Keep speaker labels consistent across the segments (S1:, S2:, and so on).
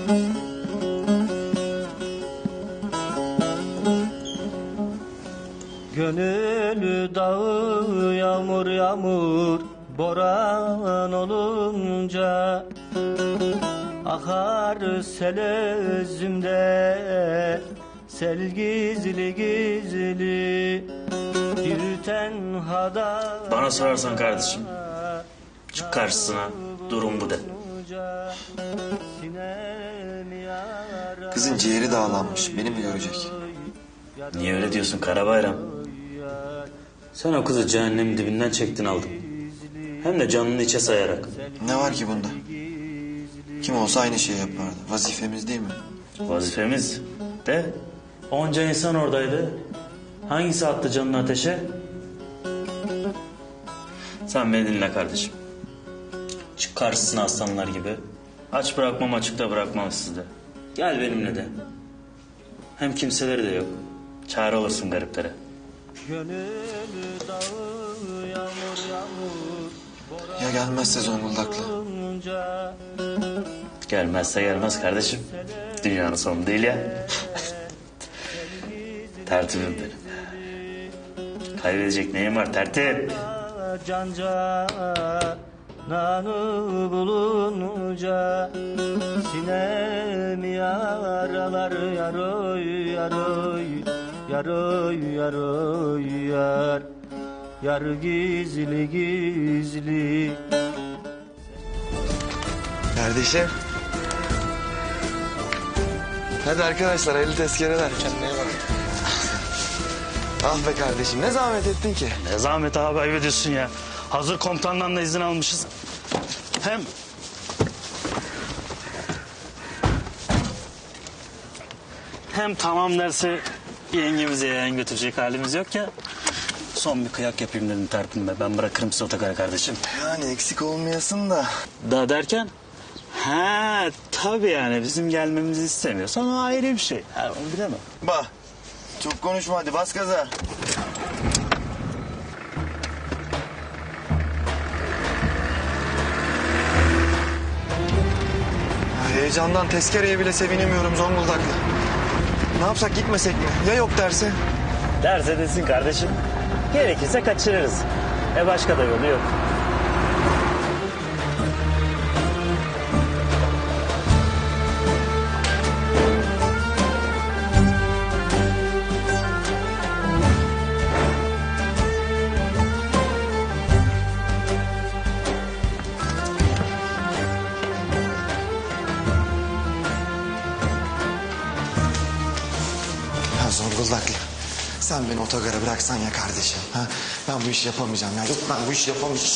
S1: Gönül dağı yağmur yağmur boran olunca akar sel özümde sel gizli gizli bir tenhada.
S2: Bana sorarsan kardeşim, çık karşısına, durum bu de.
S3: Kızın ciğeri dağlanmış, beni mi görecek?
S2: Niye öyle diyorsun Karabayram? Sen o kızı cehennemin dibinden çektin aldın. Hem de canını içe sayarak.
S3: Ne var ki bunda? Kim olsa aynı şeyi yapardı. Vazifemiz değil mi?
S2: Vazifemiz de onca insan oradaydı. Hangisi attı canını ateşe? Sen beni dinle kardeşim. Çık karşısına aslanlar gibi. Aç bırakmam, açıkta bırakmam sizi. Gel benimle de. Hem kimseleri de yok. Çare olursun gariplere.
S3: Ya gelmezse Zonguldaklı?
S2: Gelmezse gelmez kardeşim. Dünyanın sonu değil ya. Tertibim benim. Kaybedecek neyim var tertip?
S1: Nanı bulunca sinemi yaralar yaroy yaroy yaroy yaroy yar yar gizli gizli.
S3: Kardeşim. Hadi arkadaşlar, hayırlı tezkereler. Kendine bak. Ah be kardeşim, ne zahmet ettin ki?
S2: Ne zahmet abi, ayıp ediyorsun ya. Hazır komutandan da izin almışız. Hem tamam derse yengemize yeğen götürecek halimiz yok ya. Son bir kıyak yapayım dedim tertibime. Ben bırakırım sizi otogara kardeşim.
S3: Yani eksik olmayasın da.
S2: Da derken? Ha tabii yani bizim gelmemizi istemiyorsan o ayrı bir şey. Ha, onu bilemem.
S3: Bah, çok konuşma hadi, bas gaza. Heyecandan tezkereye bile sevinemiyorum Zonguldaklı. Ne yapsak, gitmesek mi? Ya yok derse?
S2: Derse desin kardeşim. Gerekirse kaçırırız. Başka da yolu yok.
S3: Ya Zonguldaklı, sen beni otogara bıraksan ya kardeşim. Ha? Ben bu işi yapamayacağım ya. Yok, ben bu işi yapamayacağım.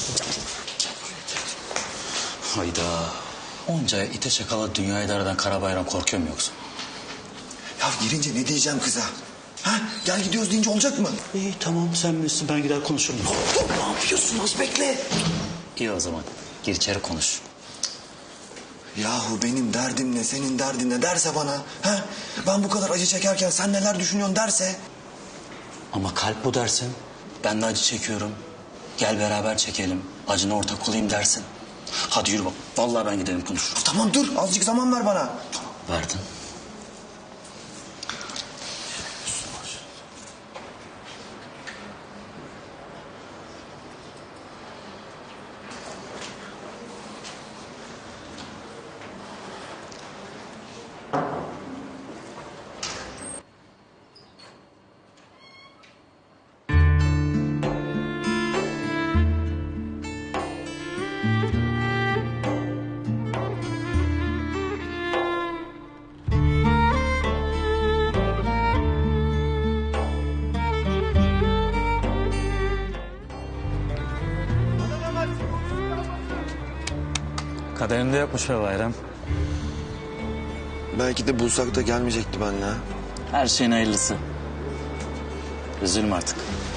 S2: Hayda. Onca ite şakala dünyayı daradan Karabayram korkuyor mu yoksa?
S3: Ya girince ne diyeceğim kıza? Ha? Gel gidiyoruz deyince olacak mı?
S2: İyi tamam sen bilirsin, ben gider konuşurum.
S3: Dur, ne yapıyorsun? Az bekle.
S2: İyi o zaman gir içeri konuş.
S3: Yahu benim derdim ne, senin derdin ne derse bana. Ha? Ben bu kadar acı çekerken sen neler düşünüyorsun derse.
S2: Ama kalp bu dersin. Ben de acı çekiyorum. Gel beraber çekelim. Acına ortak olayım dersin. Hadi yürü bak. Vallahi ben gidelim konuşurum.
S3: Tamam dur, azıcık zaman ver bana.
S2: Verdim. Kaderimde yokmuş be Bayram.
S3: Belki de bulsak da gelmeyecekti benimle. Ha?
S2: Her şeyin hayırlısı. Üzülme artık.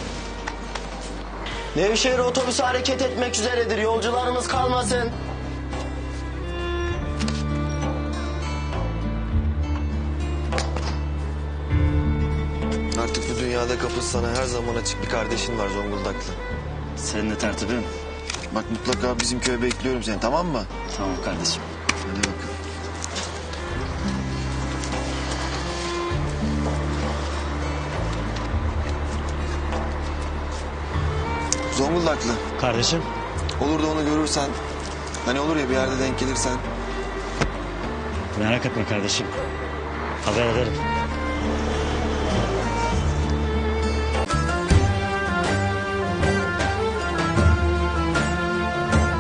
S4: Nevşehir otobüsü hareket etmek üzeredir. Yolcularımız kalmasın.
S3: Artık bu dünyada kapısı sana her zaman açık bir kardeşin var Zonguldaklı.
S2: Senin de tertibin.
S3: Bak mutlaka bizim köye bekliyorum seni, tamam mı?
S2: Tamam kardeşim.
S3: Hadi bakalım. Zonguldaklı.
S1: Kardeşim.
S3: Olur da onu görürsen, hani olur ya bir yerde denk gelirsen.
S1: Merak etme kardeşim. Haber ederim.